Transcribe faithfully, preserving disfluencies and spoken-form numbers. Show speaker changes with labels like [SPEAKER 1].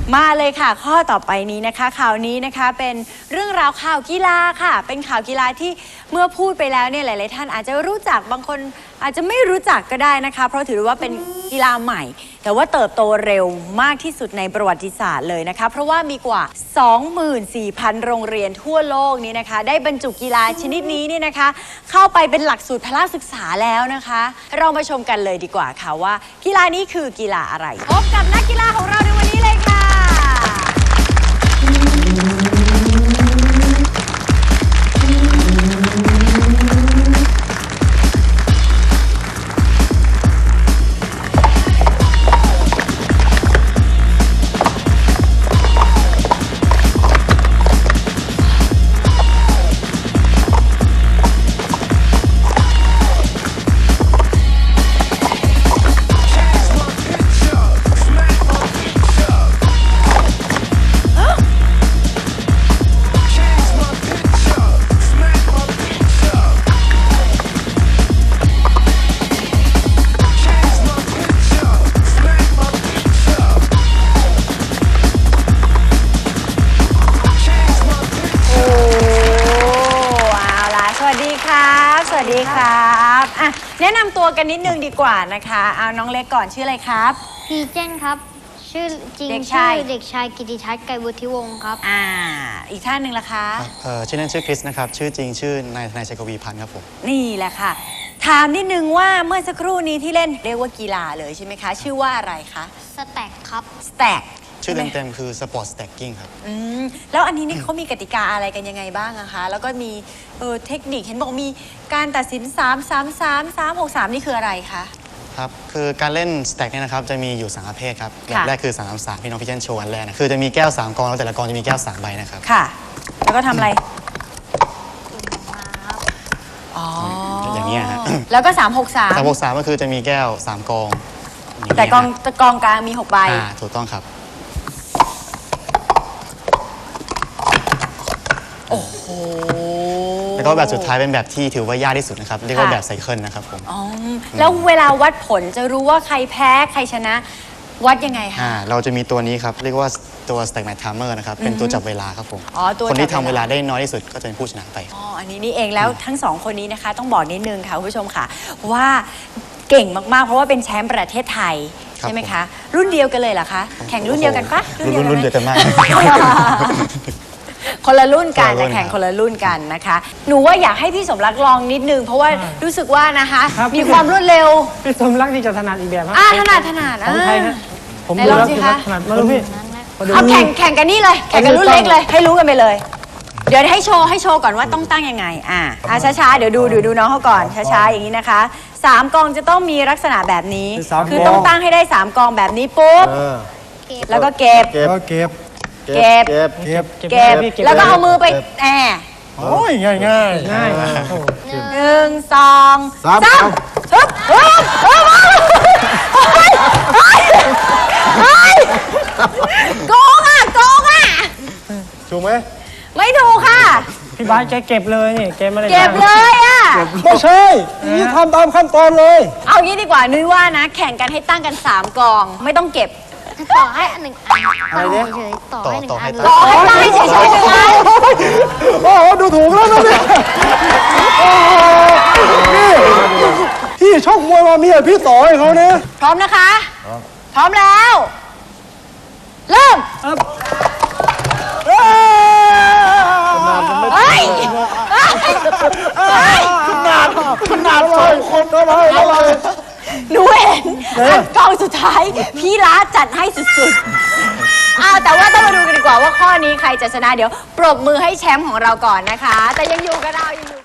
[SPEAKER 1] มาเลยค่ะข้อต่อไปนี้นะคะข่าวนี้นะคะเป็นเรื่องราวข่าวกีฬาค่ะเป็นข่าวกีฬาที่เมื่อพูดไปแล้วเนี่ยหลายๆท่านอาจจะรู้จักบางคนอาจจะไม่รู้จักก็ได้นะคะเพราะถือว่าเป็นกีฬาใหม่แต่ว่าเติบโตเร็วมากที่สุดในประวัติศาสตร์เลยนะคะเพราะว่ามีกว่า สองหมื่นสี่พัน โรงเรียนทั่วโลกนี้นะคะได้บรรจุกีฬาชนิดนี้เนี่ยนะคะเข้าไปเป็นหลักสูตรพละศึกษาแล้วนะคะเรามาชมกันเลยดีกว่าค่ะว่ากีฬานี้คือกีฬาอะไรพบกับนักกีฬาของเราในวันนี้เลยค่ะสวัสดีครับอ่ะแนะนำตัวกันนิดนึงดีกว่านะคะเอาน้องเล็กก่อนชื่ออะไรครับ
[SPEAKER 2] พีเจนครับชื่อจริง
[SPEAKER 1] เด็ก
[SPEAKER 2] ชื่
[SPEAKER 1] ชา
[SPEAKER 2] อย เด็กชายกิติทัศน์ไกรวุฒิวงศ์ครับ
[SPEAKER 1] อ่าอีกท่านหนึ่งล่ะคะ
[SPEAKER 3] เอ่อชื่อเล่นชื่อคริสนะครับชื่อจริงชื่อนายนายชัยกวีพันธ์ครับผม
[SPEAKER 1] นี่แหละค่ะถามนิดนึงว่าเมื่อสักครู่นี้ที่เล่นเรียกว่ากีฬาเลยใช่ไหมคะชื่อว่าอะไรคะ
[SPEAKER 2] สแต็กครับ
[SPEAKER 1] สแต็ก
[SPEAKER 3] ชื่อเต็มๆคือสปอร์ตสแต็กกิ้งครับ
[SPEAKER 1] อืมแล้วอันนี้นี่เขามีกติกาอะไรกันยังไงบ้างอะคะแล้วก็มีเออเทคนิคเห็นบอกมีการตัดสินสาม สาม สาม สาม หก สามนี่คืออะไรคะ
[SPEAKER 3] ครับคือการเล่นสแต็กเนี่ยนะครับจะมีอยู่สามประเภทครับแบบแรกคือสาม สาม สามพี่น้องพี่เจนโชว์อันแรกนะคือจะมีแก้วสามกองแล้วแต่ละกองจะมีแก้วสามใบนะครับ
[SPEAKER 1] ค่ะแล้วก็ทำอะไรอ๋อ
[SPEAKER 3] อย่างนี้ฮะ
[SPEAKER 1] แล้วก็สาม หก สาม
[SPEAKER 3] สาม หก สามก็คือจะมีแก้วสามกอง
[SPEAKER 1] แต่กองกองกลางมีหกใบ
[SPEAKER 3] อ่าถูกต้องครับ
[SPEAKER 1] โอ้โห
[SPEAKER 3] แล้วก็แบบสุดท้ายเป็นแบบที่ถือว่ายากที่สุดนะครับเรียกว่าแบบไซเคิลนะครับผม
[SPEAKER 1] อ๋อแล้วเวลาวัดผลจะรู้ว่าใครแพ้ใครชนะวัดยังไงคะ
[SPEAKER 3] เราจะมีตัวนี้ครับเรียกว่าตัว Stack Match Timer นะครับเป็นตัวจับเวลาครับผมอ๋อตัวคนที่ทำเวลาได้น้อยที่สุดก็จะเป็นผู้ชนะไป
[SPEAKER 1] อ๋ออันนี้นี่เองแล้วทั้งสองคนนี้นะคะต้องบอกนิดนึงค่ะคุณผู้ชมค่ะว่าเก่งมากๆเพราะว่าเป็นแชมป์ประเทศไทยใช่ไหมคะรุ่นเดียวกันเลยเหรอคะแข่งรุ่นเดียวกันปะ
[SPEAKER 3] รุ่นเดียวกันมาก
[SPEAKER 1] คนละรุ่นกันแต่แข่งคนละรุ่นกันนะคะหนูว่าอยากให้พี่สมรักลองนิดนึงเพราะว่ารู้สึกว่านะคะมีความรวดเร็ว
[SPEAKER 4] พี่สมรักนี่จะถนัดอีกแบบ
[SPEAKER 1] อ่าถนัดถนัด
[SPEAKER 4] ของใครฮะ
[SPEAKER 1] ผมดูแล้ว
[SPEAKER 4] ถนัดมาดูพี่
[SPEAKER 1] เอาแข่งแข่งกันนี่เลยแข่งกันรุ่นเล็กเลยให้รู้กันไปเลยเดี๋ยวให้โชว์ให้โชว์ก่อนว่าต้องตั้งยังไงอ่าอ่าช้าๆเดี๋ยวดูเดี๋ยวดูน้องเขาก่อนช้าๆอย่างนี้นะคะสามกองจะต้องมีลักษณะแบบนี้คือต้องตั้งให้ได้สามกองแบบนี้ปุ๊บแล้วก็เก็บ
[SPEAKER 4] เก็บเก็บ
[SPEAKER 1] เก็บ
[SPEAKER 4] เก็บ
[SPEAKER 1] เก็บแล้วก็เอามือไปแอบ
[SPEAKER 4] โอ้ยง่ายง่ายง่าย
[SPEAKER 1] หนึ่งสองสามฮึบฮึบฮึบโกงอ่ะโกงอ่ะ
[SPEAKER 4] ถูกไหม
[SPEAKER 1] ไม่ถูกค่ะ
[SPEAKER 4] พี่บาสแกเก็บเลยนี่เก็บอะไร
[SPEAKER 1] เก็บเลยอ่ะ
[SPEAKER 4] ไม่ใช่นี่ทำตามขั้นตอนเลย
[SPEAKER 1] เอางี้ดีกว่านุ้ยว่านะแข่งกันให้ตั้งกันสามกองไม่ต้องเก็บ
[SPEAKER 2] ต่อให้อันหนึ่งอัน
[SPEAKER 4] อะไรเนี่ย
[SPEAKER 2] ต่อให้หนึ่งอัน
[SPEAKER 1] ต่อให้ตั้งให้เฉยๆหนึ่งอัน
[SPEAKER 4] โอ้โหดูถูกแล้วนะเนี่ยนี่พี่ชกมวยมาเมียพี่ต่อให้เขาเนี่ย
[SPEAKER 1] พร้อมนะคะพร้อมแล้วเริ่มเฮ้ย
[SPEAKER 4] ขนาดขนาดสองคนก็เลยเลย
[SPEAKER 1] หนูเห็นอันกองสุดท้ายพี่ล้าจัดให้สุดๆอ้าวแต่ว่าต้องมาดูกันดีกว่าว่าข้อนี้ใครจะชนะเดี๋ยวปรบมือให้แชมป์ของเราก่อนนะคะแต่ยังอยู่กับเรายังอยู่